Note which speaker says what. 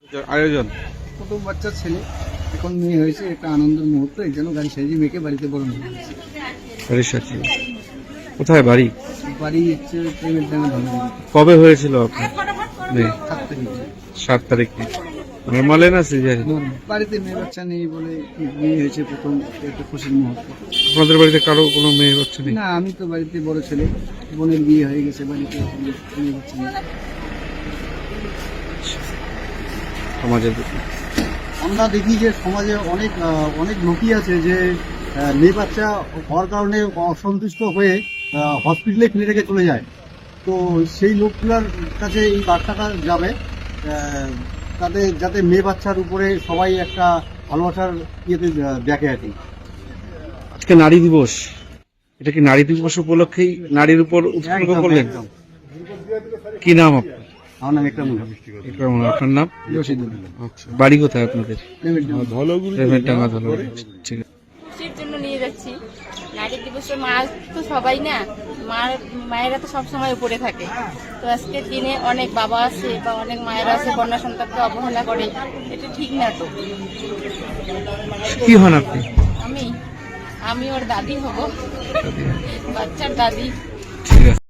Speaker 1: আয়োজন
Speaker 2: প্রথম বাচ্চার ছেলে, এখন মেয়ে হয়েছে, একটা আনন্দের মুহূর্ত। এই জন্য গাড়ি সাজিয়ে মেয়েকে বাড়িতে বরণ করে দিয়েছে।
Speaker 1: বাড়ির সাথে কোথায় বাড়ি?
Speaker 2: বাড়ি হচ্ছে প্রেমের ডাঙা ধর্মপুর।
Speaker 1: কবে হয়েছিল আপনার মেয়ে?
Speaker 2: 7 তারিখে।
Speaker 1: 7 তারিখে। নর্মালে না সিজারি?
Speaker 2: বাড়িতে মেয়ে বাচ্চা নেই বলে মেয়ে হয়েছে প্রথম, একটা খুশির মুহূর্ত।
Speaker 1: আপনাদের বাড়িতে কারো কোনো মেয়ে বাচ্চা নেই?
Speaker 2: না, আমি তো বাড়িতে বড় ছেলে, বোনের বিয়ে হয়ে গেছে, বাড়িতে মেয়ে বাচ্চা নেই।
Speaker 1: সমাজের
Speaker 2: আমরা দেখি যে সমাজে অনেক লোকই আছে যে মেয়ে বাচ্চা হওয়ার কারণে অসন্তুষ্ট হয়ে হসপিটালে ফেলে রেখে চলে যায়। তো সেই লোকগুলোর কাছে এই বার্তাটা যাবে, তাদের যাতে মেয়ে বাচ্চার উপরে সবাই একটা ভালোবাসার ইয়েতে দেখে আর কি।
Speaker 1: আজকে নারী দিবস, এটা কি নারী দিবস উপলক্ষেই নারীর উপর উৎসর্গ করলেন?
Speaker 2: একদম।
Speaker 1: কি নাম আপনার?
Speaker 2: আমার নাম একরামুল।
Speaker 1: আপনার নাম?
Speaker 2: রশিদুল।
Speaker 1: আচ্ছা, বাড়ি কোথায় আপনাদের?
Speaker 2: প্রেমের ডাঙা।
Speaker 1: ঠিক আছে।
Speaker 3: খুশির জন্য নিয়ে যাচ্ছি। নারী দিবসে মা তো সবাই না, মায়েরা তো সবসময় উপরে থাকে। তো আজকের দিনে অনেক বাবা আছে বা অনেক মায়েরা আছে কন্যা সন্তানকে অবহেলা করে, এটা ঠিক না। তো
Speaker 1: কি হন আপনি?
Speaker 3: আমি ওর দাদি হব, বাচ্চার দাদি।
Speaker 1: ঠিক আছে।